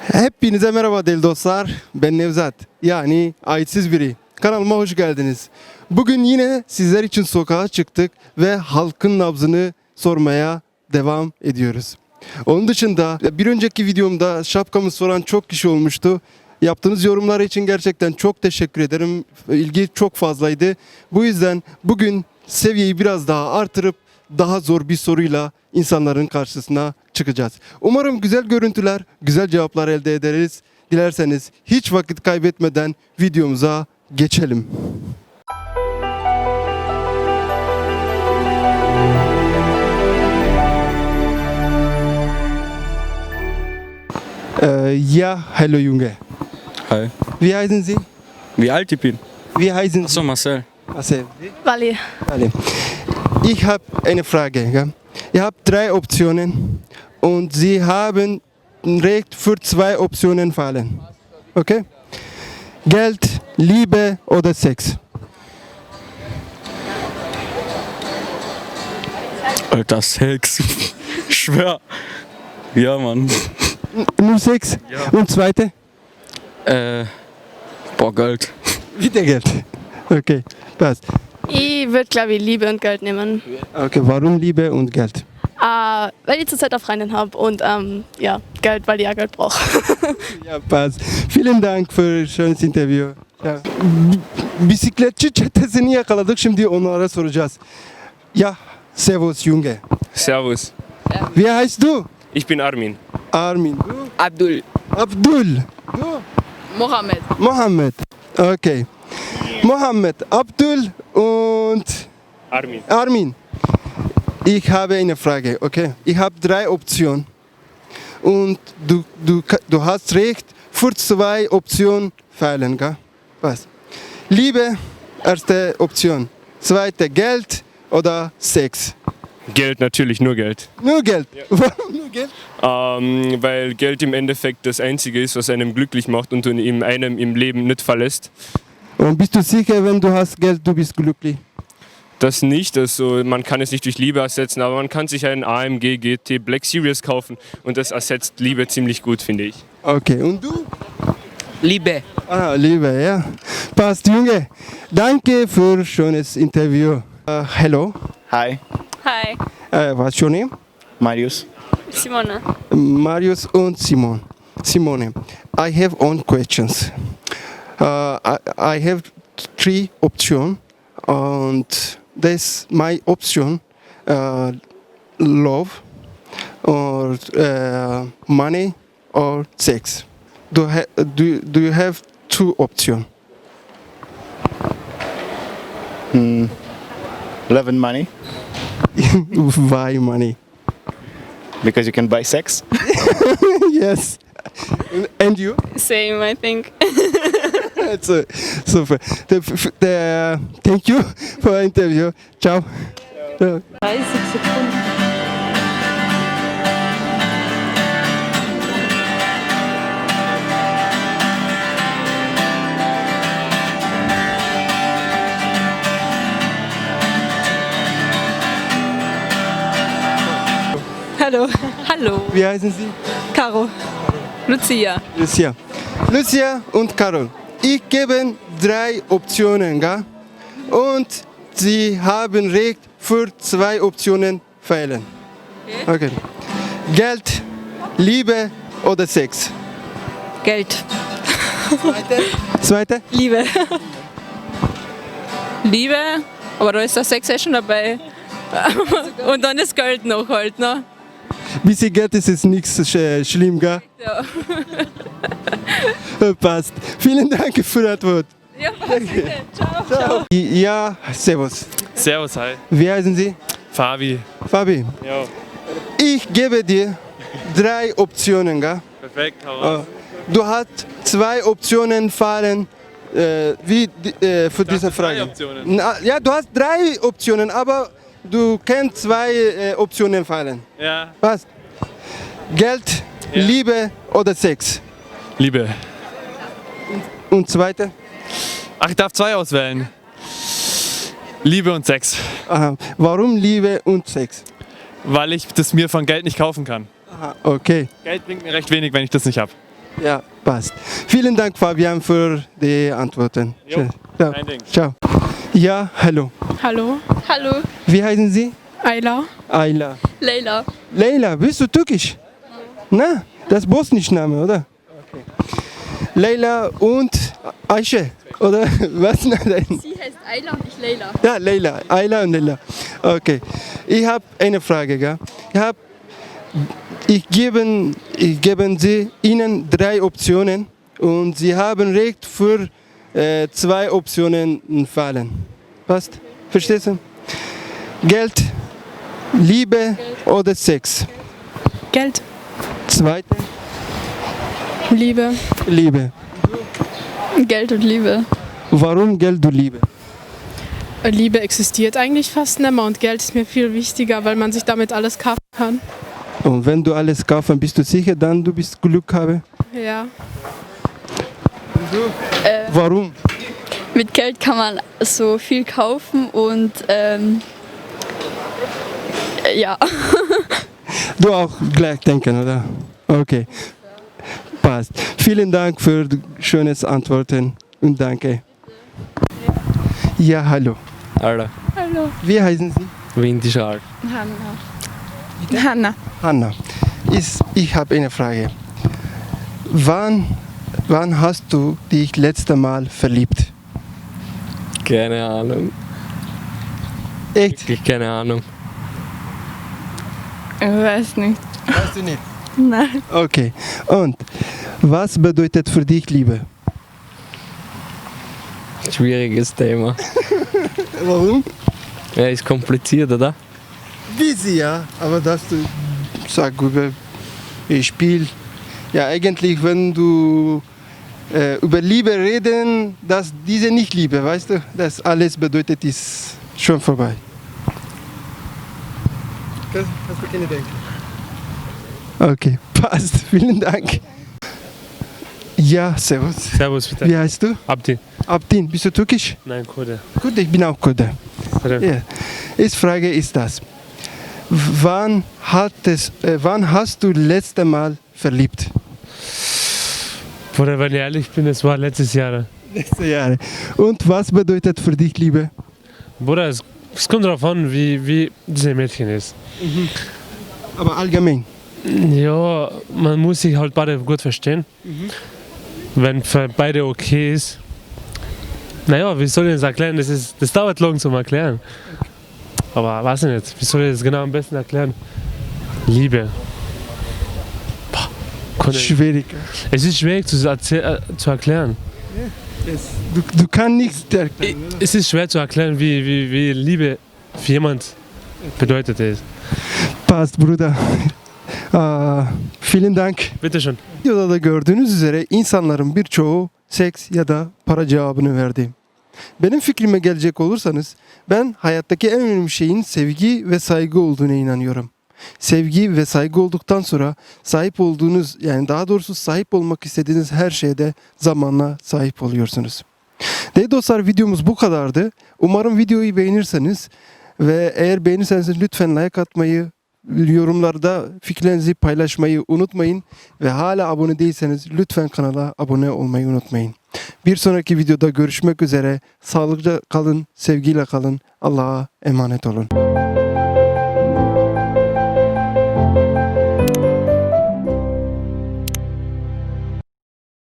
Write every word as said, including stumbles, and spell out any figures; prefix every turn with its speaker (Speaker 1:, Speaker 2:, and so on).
Speaker 1: Hepinize merhaba değerli dostlar. Ben Nevzat. Yani aitsiz biri. Kanalıma hoş geldiniz. Bugün yine sizler için sokağa çıktık ve halkın nabzını sormaya devam ediyoruz. Onun dışında bir önceki videomda şapkamı soran çok kişi olmuştu. Yaptığınız yorumlar için gerçekten çok teşekkür ederim. İlgi çok fazlaydı. Bu yüzden bugün seviyeyi biraz daha artırıp daha zor bir soruyla insanların karşısına çıkacağız. Umarım güzel görüntüler, güzel cevaplar elde ederiz. Dilerseniz hiç vakit kaybetmeden videomuza geçelim. Äh, ja, hallo Junge.
Speaker 2: Hi.
Speaker 1: Wie heißen Sie?
Speaker 2: Wie alt ich bin?
Speaker 1: Wie heißen Sie?
Speaker 2: Achso, Marcel.
Speaker 1: Marcel.
Speaker 3: Wally.
Speaker 1: Alle. Ich habe eine Frage. Gell? Ihr habt drei Optionen und Sie haben Recht für zwei Optionen fallen. Okay? Geld, Liebe oder Sex?
Speaker 2: Alter, Sex. Ich schwör. Ja, Mann.
Speaker 1: Nur Sex?
Speaker 2: Ja.
Speaker 1: Und zweite?
Speaker 2: Äh, boah, Geld.
Speaker 1: Wieder Geld. Okay, passt.
Speaker 3: Ich würde, glaube ich, Liebe und Geld nehmen.
Speaker 1: Okay, warum Liebe und Geld?
Speaker 3: Äh, weil ich zurzeit eine Freundin habe und ähm, ja, Geld, weil ich auch Geld brauche.
Speaker 1: Ya passt. Vielen Dank für ein schönes Interview. Ya. B- Bisikletçi çetesini yakaladık. Şimdi onlara soracağız. Ya, servus Junge.
Speaker 4: Servus,
Speaker 1: Wie heißt du?
Speaker 4: ich bin Armin.
Speaker 1: Armin. Du?
Speaker 4: Abdul.
Speaker 1: Abdul. Du?
Speaker 3: Mohammed.
Speaker 1: Mohammed. Okay. Mohammed, Abdul und
Speaker 4: Armin.
Speaker 1: Armin. Ich habe eine Frage, okay? Ich habe drei Optionen. Und du, du, ka- du hast recht, für zwei Optionen fehlen, gell? Was? Liebe, erste Option. Zweite, Geld oder Sex?
Speaker 4: Geld, natürlich nur Geld.
Speaker 1: Nur Geld. Warum nur Geld?
Speaker 4: Ähm, weil Geld im Endeffekt das Einzige ist, was einem glücklich macht und ihm einem im Leben nicht verlässt.
Speaker 1: Und bist du sicher, wenn du hast Geld, du bist glücklich?
Speaker 4: Das nicht, also man kann es nicht durch Liebe ersetzen, aber man kann sich einen A M G G T Black Series kaufen und das ersetzt Liebe ziemlich gut, finde ich.
Speaker 1: Okay, und du?
Speaker 5: Liebe.
Speaker 1: Ah, Liebe, ja. Passt, Junge. Danke für schönes Interview. Uh, hello.
Speaker 5: Hi,
Speaker 3: Hi.
Speaker 1: Uh, what's your name?
Speaker 5: Marius.
Speaker 3: Simone.
Speaker 1: Marius und Simon. Simone, I have one questions. Uh, I, I have three options, and this my option: uh, love, or uh, money, or sex. Do ha- do do you have two options?
Speaker 5: Hmm. Love and money,
Speaker 1: Why money?
Speaker 5: because you can buy sex.
Speaker 1: Yes. And you?
Speaker 3: Same, I think.
Speaker 1: That's uh, super. The, f- the, thank you for the interview. Ciao. Ciao.
Speaker 6: dreißig Sekunden. Hallo. Hallo.
Speaker 1: Wie heißen Sie?
Speaker 6: Caro. Lucia.
Speaker 1: Lucia. Lucia und Carol. Ich gebe drei Optionen, gell? Und Sie haben Recht für zwei Optionen fehlen. Okay. Geld, Liebe oder Sex?
Speaker 6: Geld.
Speaker 1: Zweite?
Speaker 6: Liebe. Liebe, aber da ist der Sex eh schon dabei. Und dann das Geld noch halt, ne?
Speaker 1: Bisschen Geld ist es nichts sch- schlimm, gell?
Speaker 6: Ja.
Speaker 1: Passt. Vielen Dank für die Antwort.
Speaker 6: Ja, bitte. Ciao.
Speaker 1: Ja, servus.
Speaker 4: Servus, hi.
Speaker 1: Wie heißen Sie?
Speaker 4: Fabi.
Speaker 1: Fabi.
Speaker 4: Ja,
Speaker 1: Ich gebe dir drei Optionen, gell?
Speaker 4: perfekt, hau
Speaker 1: Äh,
Speaker 4: raus.
Speaker 1: Du hast zwei Optionen fallen äh, wie, di- äh, für diese Frage.
Speaker 4: drei Optionen.
Speaker 1: Na, ja, du hast drei Optionen, aber du kannst zwei äh, Optionen fallen.
Speaker 4: Ja.
Speaker 1: Was? Geld,
Speaker 4: Ja.
Speaker 1: Liebe oder Sex?
Speaker 4: Liebe.
Speaker 1: Und zweite?
Speaker 4: Ach, ich darf zwei auswählen. Liebe und Sex.
Speaker 1: Aha. Warum Liebe und Sex?
Speaker 4: Weil ich das mir von Geld nicht kaufen kann.
Speaker 1: Aha, okay.
Speaker 4: Geld bringt mir recht wenig, wenn ich das nicht habe.
Speaker 1: Ja, passt. Vielen Dank, Fabian, für die Antworten.
Speaker 4: Jo,
Speaker 1: Schön. Ja.
Speaker 4: kein Ding.
Speaker 1: Ciao. Ja, hallo.
Speaker 7: Hallo,
Speaker 3: Hallo.
Speaker 1: Wie heißen Sie?
Speaker 7: Ayla.
Speaker 1: Ayla.
Speaker 3: Leila.
Speaker 1: Leila, bist du türkisch? Na, das ist bosnisch Name, oder? Okay. Leila und Ayşe, oder? Was? Nein.
Speaker 3: Sie heißt Ayla und ich Leila.
Speaker 1: Ja, Leila. Ayla und Leila. Okay. Ich habe eine Frage, gell? Ich habe Ich gebe, ich gebe Sie Ihnen drei Optionen und Sie haben Recht für äh, zwei Optionen fallen. Passt? Verstehst du? Geld, Liebe oder Sex?
Speaker 7: Geld,
Speaker 1: Zweite,
Speaker 7: Liebe,
Speaker 1: Liebe.
Speaker 3: Geld und Liebe.
Speaker 1: Warum Geld und Liebe?
Speaker 7: Liebe existiert eigentlich fast nicht mehr und Geld ist mir viel wichtiger, weil man sich damit alles kaufen kann.
Speaker 1: Und wenn du alles kaufen, bist du sicher, dann du bist Glück haben?
Speaker 7: Ja.
Speaker 1: Warum?
Speaker 3: Mit Geld kann man so viel kaufen und ähm, ja.
Speaker 1: Du auch gleich denken, oder? Okay. Passt. Vielen Dank für die schönes Antworten und danke. Ja, hallo.
Speaker 2: Alter.
Speaker 1: Wie heißen Sie?
Speaker 2: Windischal.
Speaker 7: Hanna.
Speaker 1: Hanna. Ist, ich habe eine Frage. Wann, wann hast du dich letzte Mal verliebt?
Speaker 2: Keine Ahnung.
Speaker 1: Echt?
Speaker 2: Wirklich keine Ahnung.
Speaker 7: Ich weiß nicht.
Speaker 1: Weißt du nicht?
Speaker 7: Nein.
Speaker 1: Okay. Und was bedeutet für dich Liebe?
Speaker 2: Schwieriges Thema.
Speaker 1: Warum?
Speaker 2: Ja, ist kompliziert, oder?
Speaker 1: Busy, ja. Aber dass du sag über Spiel. Ja, eigentlich, wenn du äh, über Liebe reden, dass diese nicht Liebe, weißt du? Das alles bedeutet, ist schon vorbei. Das hast du keine Denken. Okay, passt. Vielen Dank. Ja, servus.
Speaker 8: Servus, bitte.
Speaker 1: Wie heißt du?
Speaker 8: Abdi.
Speaker 1: Abdin, bist du türkisch?
Speaker 8: Nein, Kurde.
Speaker 1: Gut, ich bin auch Kurde.
Speaker 8: Bitte.
Speaker 1: Ja. Die Frage ist das. Wann, hat es, äh, wann hast du letzte Mal verliebt?
Speaker 8: Bruder, wenn ich ehrlich bin, es war letztes Jahr.
Speaker 1: Letzte Jahre. Und was bedeutet für dich Liebe?
Speaker 8: Bruder, es, es kommt darauf an, wie, wie dieses Mädchen ist.
Speaker 1: Aber allgemein.
Speaker 8: Ja, man muss sich halt beide gut verstehen. Wenn für beide okay ist. Naja, wie soll ich das erklären? Das, ist, das dauert lang zum Erklären. Aber weiß ich nicht, wie soll ich das genau am besten erklären? Liebe. Boah, kann ich-
Speaker 1: Schwierig.
Speaker 8: Es ist schwierig zu, erzähl- äh, zu erklären.
Speaker 1: Du, du kannst nichts erklären.
Speaker 8: Es ist schwer zu erklären, wie, wie, wie Liebe für jemand bedeutet ist.
Speaker 1: Passt, Bruder. Aa, vielen Dank.
Speaker 8: Bitte schön.
Speaker 1: Videoda da gördüğünüz üzere insanların birçoğu seks ya da para cevabını verdi. Benim fikrime gelecek olursanız ben hayattaki en önemli şeyin sevgi ve saygı olduğuna inanıyorum. Sevgi ve saygı olduktan sonra sahip olduğunuz yani daha doğrusu sahip olmak istediğiniz her şeyde zamanla sahip oluyorsunuz. Değerli dostlar videomuz bu kadardı. Umarım videoyu beğenirseniz ve eğer beğenirseniz lütfen like atmayı, yorumlarda fikirlerinizi paylaşmayı unutmayın ve hala abone değilseniz lütfen kanala abone olmayı unutmayın. Bir sonraki videoda görüşmek üzere. Sağlıklı kalın, sevgiyle kalın. Allah'a emanet olun.